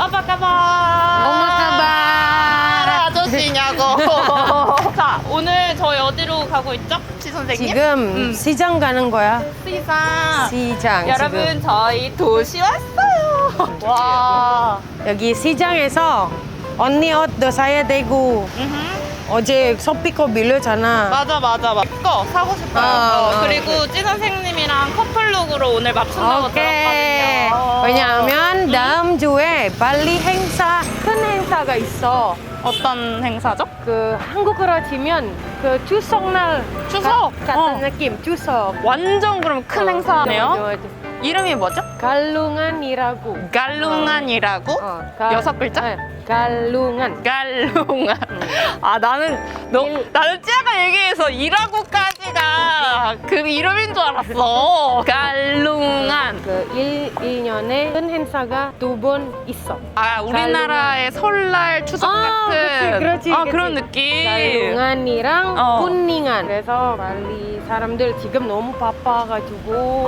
apa kabar? Apa kabar? 아저씨냐고. 자, 오늘 저희 어디로 가고 있죠? 지 선생님? 지금 시장 가는 거야. 시장. 시장. 여러분, 지금. 저희 도시 왔어요. 와. 여기 시장에서 언니 옷도 사야 되고 어제 소피코 빌렸잖아. 맞아. 거 사고 싶어요. 그리고 찌 선생님이랑 커플룩으로 오늘 맞춘다고 오케이. 들었거든요. 왜냐하면 다음 주에 발리 행사, 큰 행사가 있어. 어떤 행사죠? 그 한국으로 치면 그 추석날 추석? 같은 느낌. 추석. 완전 그럼 큰 행사네요. 맞아. 이름이 뭐죠? 갈룽안이라고. 갈룽안이라고? 여섯 글자? 네, 갈룽안. 갈룽안. 아, 나는 찌아가 얘기해서 이라고까지가 그 이름인 줄 알았어. 갈룽안. 그 1년에 큰 행사가 2번 있어. 아, 우리나라의 설날 추석 같은 그렇지. 그런 느낌. 갈룽안이랑 푸닝안. 그래서 발리 사람들 지금 너무 바빠가지고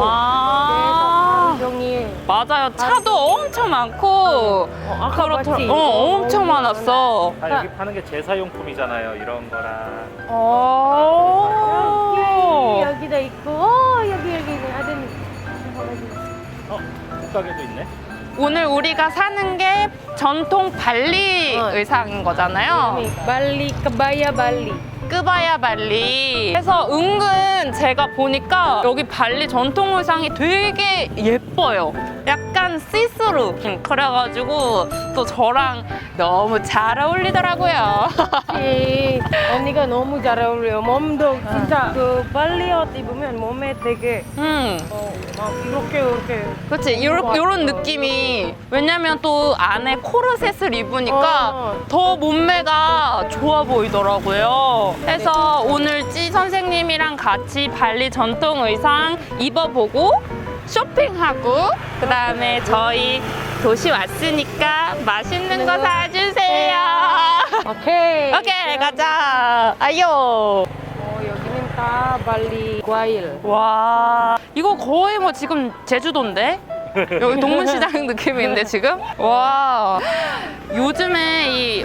종일 맞아요. 차도 엄청 많고 아까 봤지? 엄청 많았어. 다 여기 파는 게 제사용품이잖아요. 이런 거랑. 여기도 있고 여기 ada nih. 옷가게도 있네. 오늘 우리가 사는 게 전통 발리 의상인 거잖아요. 발리 kebaya 발리. 끄바야 발리. 그래서 은근 제가 보니까 여기 발리 전통 의상이 되게 예뻐요. 약간 시스루. 그래가지고 또 저랑 너무 잘 어울리더라고요. 언니가 너무 잘 어울려요. 몸도 진짜 그 발리 옷 입으면 몸에 되게 막 이렇게 그렇지. 요런 느낌이. 왜냐면 또 안에 코르셋을 입으니까 더 몸매가 좋아 보이더라고요. 그래서 오늘 찌 선생님이랑 같이 발리 전통 의상 입어보고 쇼핑하고 그 다음에 저희 도시 왔으니까 맛있는 거 사주세요. 오케이. 오케이, 가자. 아요. 여기는 다 발리 과일. 와, 이거 거의 뭐 지금 제주도인데? 여기 동문시장 느낌인데 지금? 와, 요즘에 이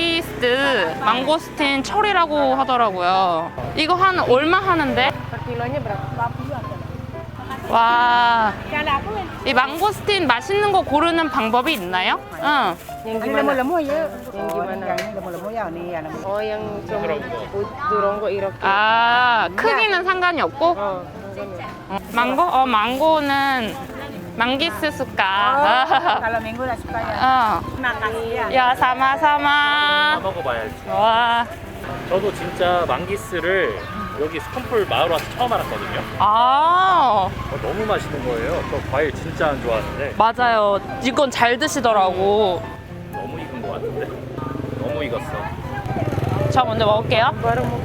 망고스틴 철이라고 하더라고요. 이거 한 얼마 하는데? kilonya berapa? 와, 이 망고스틴 맛있는 거 고르는 방법이 있나요? 응. Yang gimana? Yang gimana? yang 좀 두런 거 이렇게. 아, 크기는 상관이 없고? 상관이 망고는 망기스 수까. Kalau minggu udah suka ya. Makasih ya. 야, 사마. 먹어봐야지. 와. 저도 진짜 망기스를 여기 스콘풀 마을 와서 처음 알았거든요. 아, 너무 맛있는 거예요. 저 과일 진짜 안 좋아하는데 맞아요. 이건 잘 드시더라고. 너무 익은 것 같은데. 너무 익었어. 저 먼저 먹을게요. baru mau.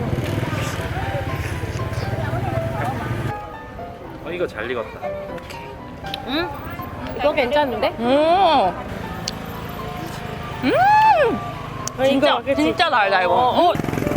이거 잘 익었다. 응? 이거 괜찮은데? 진짜 달다 이거.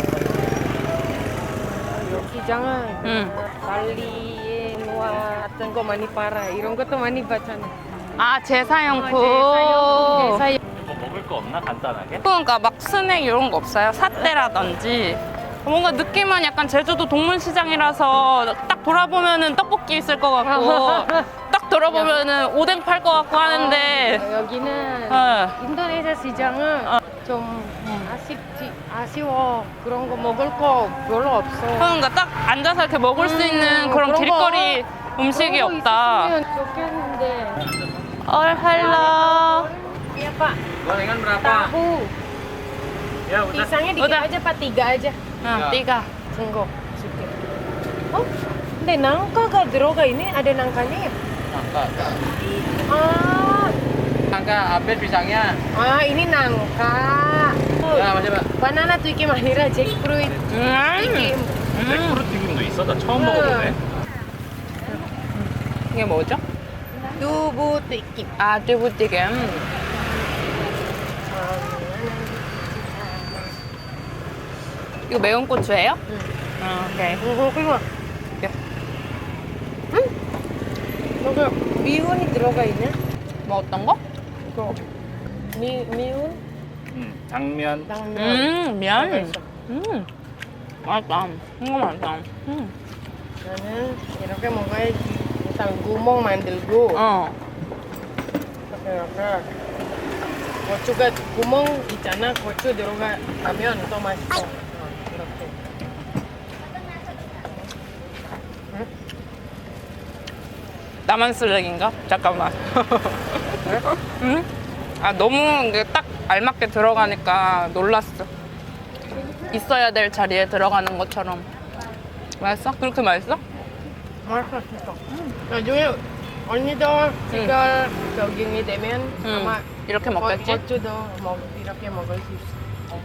시장은 발리에 누아 같은 거 많이 팔아. 이런 것도 많이 봤잖아. 아, 제사용품. 뭐 먹을 거 없나 간단하게? 그러니까 막 스낵 이런 거 없어요? 사떼라든지. 뭔가 느낌은 약간 제주도 동문시장이라서 딱 돌아보면은 떡볶이 있을 것 같고 딱 돌아보면은 오뎅 팔 것 같고 하는데 여기는 인도네시아 시장은 좀 아쉬워. 그런 거 먹을 거 별로 없어. 그러니까 딱 앉아서 이렇게 먹을 수 있는 그런 길거리 음식이 그런 거 없다. 있었으면 좋겠는데. 헬로. Iya Pak. Gorengan berapa? Tahu. Ya udah. Pisangnya dikit Udah. aja Pak, 3 aja. 띠가. Senggo. Oke. Oh, 근데 nangka가 들어가 있네. Ada nangkanya ya? Nangka. Ah, Nangka habis pisangnya. ini nangka. Ya, masih, Pak. Banana tuh iki mahira jackfruit. Iki. 잭프루트 튀김도 있어? 나 처음 먹어보네. 이게 뭐죠? Dubu 튀김. 아, 띠부띠김. 이거 매운 고추예요? 오케이. 그거. 응? 여기 미원이 들어가 있네. 뭐 어떤 거? 이거 미운 당면. 당면. 면. 맛있다. 이거 맛있다. 나는 이렇게 먹어야지. 일단 구멍 만들고 이렇게 고추가 구멍 있잖아. 고추 들어가면 더 맛있어. 이렇게. 나만 쓰레기인가? 잠깐만. 응? 아 너무 이게 딱 알맞게 들어가니까 놀랐어. 있어야 될 자리에 들어가는 것처럼. 맛있어? 그렇게 맛있어? 맛있어 진짜. 나중에 언니도 시간 적응이 되면 아마 이렇게 먹겠지? 고추도 이렇게 먹을 수 있어.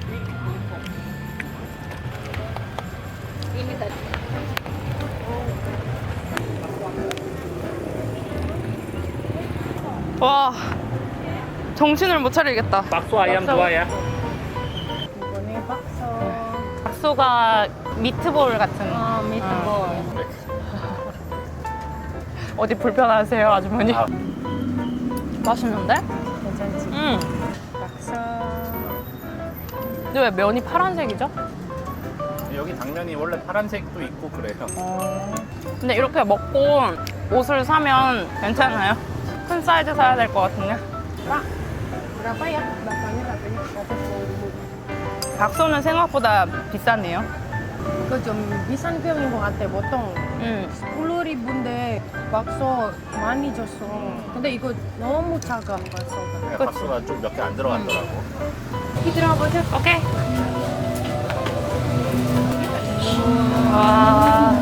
와 정신을 못 차리겠다. 박수 아이암 좋아야. 이번에 박수. 박소가 미트볼 같은. 미트볼. 어디 불편하세요 아주머니? 아. 맛있는데? 괜찮지? 박수. 근데 왜 면이 파란색이죠? 여기 당면이 원래 파란색도 있고 그래요. 근데 이렇게 먹고 옷을 사면 괜찮아요? 큰 사이즈 사야 될 것 같은데? Berapa ya? Baksonya katanya 110.000. 박소는 생각보다 비싸네요. 그거 좀 비싼 편인 것 같아. 보통 10,000인데 박소 많이 줬어. 근데 이거 너무 작아 박소가. 박수가 좀 몇 개 안 들어갔더라고. 이 들어보자. 오케이. 와.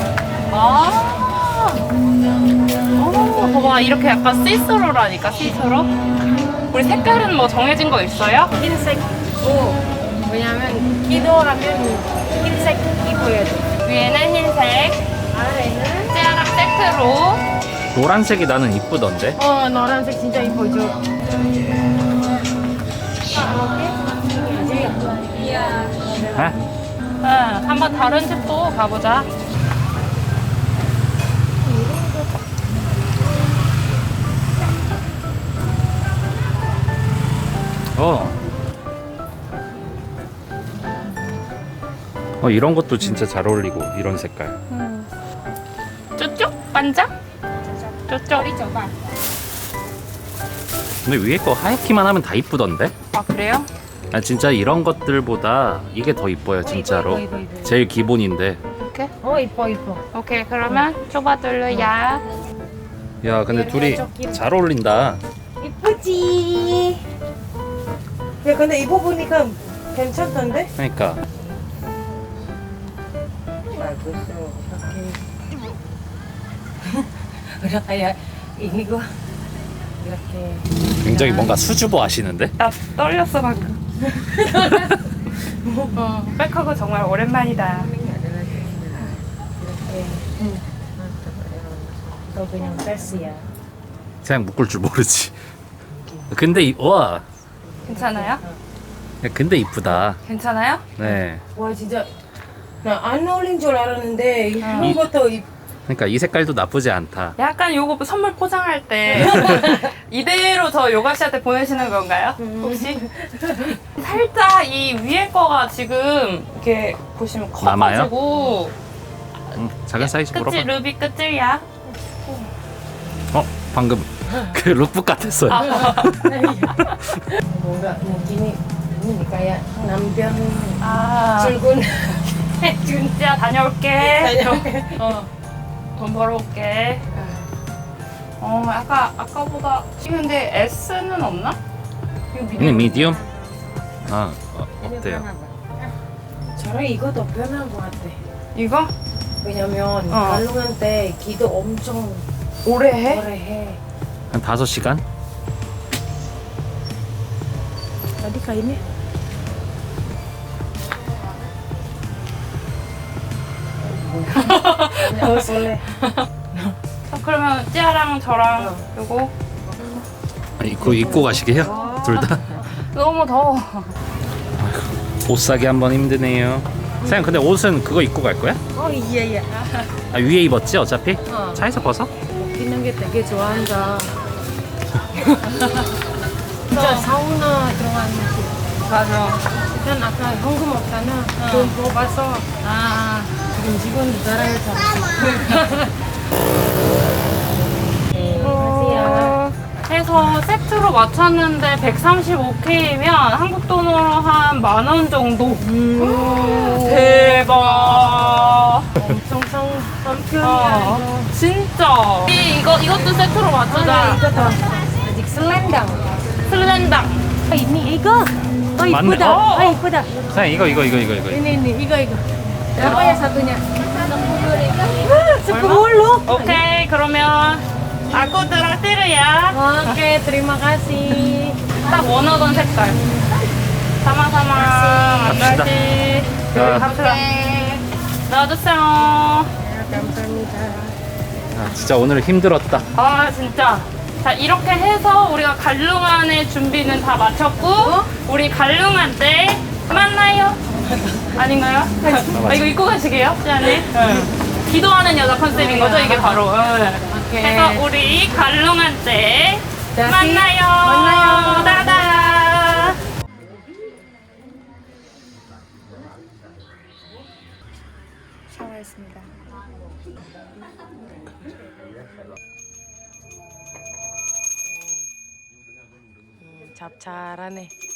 봐봐 이렇게 약간 시스루라니까 시스루. 우리 색깔은 뭐 정해진 거 있어요? 흰색 입고 왜냐면 기도하면 흰색 입어야 돼. 위에는 흰색, 아래는 찌아랑 세트로. 노란색이 나는 이쁘던데. 노란색 진짜 이쁘죠. 아? 한번 다른 집도 가보자. 이런 것도 진짜 잘 어울리고 이런 색깔. 쪼쪼? 반장? 쪼쪼. 근데 위에 거 하얗기만 하면 다 이쁘던데? 아 그래요? 아 진짜 이런 것들보다 이게 더 이뻐요 진짜로. 이뻐. 제일 기본인데. 이렇게? 이뻐. 오케이 그러면 좁아둘러야. 야 근데 둘이 잘 어울린다. 이쁘지. 야 근데 입어보니까 괜찮던데? 그러니까. Udah kayak ini gua 이렇게 굉장히 뭔가 수줍어 하시는데? 나 떨렸어 방금. 백허그 정말 오랜만이다. 너 그냥 뺐어야. 그냥 묶을 줄 모르지. 근데 와. 괜찮아요? 야, 근데 이쁘다. 괜찮아요? 네. 와 진짜 나 안 어울린 줄 알았는데 이거부터 그러니까 이 색깔도 나쁘지 않다. 약간 요거 선물 포장할 때 이대로 저 요가 씨한테 보내시는 건가요? 혹시? 살짝 이 위에 거가 지금 이렇게 보시면 커가지고 작은 사이즈 끝이 물어봐. 루비 끝이야. 방금 그 룩북 같았어요. 뭔가 느낌이 kayak 남편 출근 진짜 다녀올게. 다녀올게. 돈 벌어올게. 아까보다 근데 S는 없나? ini medium. 어때요? 저랑 이거 더 편한 것 같아. 이거? 왜냐면 발롱한테 기도 엄청 오래 해? 오래 해. 한 5시간? Tadi kainnya boleh. 그러면 찌아랑 저랑 요거 이거 입고 가시게요? 둘 다? 너무 더워. 옷 사기 한번 힘드네요. 사장 근데 옷은 그거 입고 갈 거야? Iya. 위에 입었지 어차피? 차에서 벗어? 웃기는 게 되게 좋아한다. 진짜 사우나 들어간 음식. 맞아. 일단 아까 현금 없잖아. 돈 뽑아서 지금 직원 나라에 잡았어. 해서 세트로 맞췄는데 135K면 한국 돈으로 한 10,000원 정도. 대박. 엄청 싼 편이야 이거. 진짜. 이것도 세트로 맞추자. 이거 아직 슬렌당. 슬렌당. ini 이거. 맞네. 이쁘다. 이쁘다. 사장님 이거. Ini 이거. Berapa ya satunya? 10. 오케이, 그러면 아코드랑 띠르야. Oke, terima kasih. 딱 원하던 색깔. 사마사마. 갑시다. 안녕하세요. 자. 갑시다. 넣어주세요. 감사합니다. 아, 진짜 오늘 힘들었다. 아, 진짜. 자, 이렇게 해서 우리가 갈룽안의 준비는 다 마쳤고, 우리 갈룽안 때 만나요. 아닌가요? 아, 이거 입고 가시게요? 시안에? 기도하는 여자 컨셉인 거죠? 이게 바로. 그래서 우리 갈룽안 때 만나요. 따다. 샤워했습니다. 잡잘하네.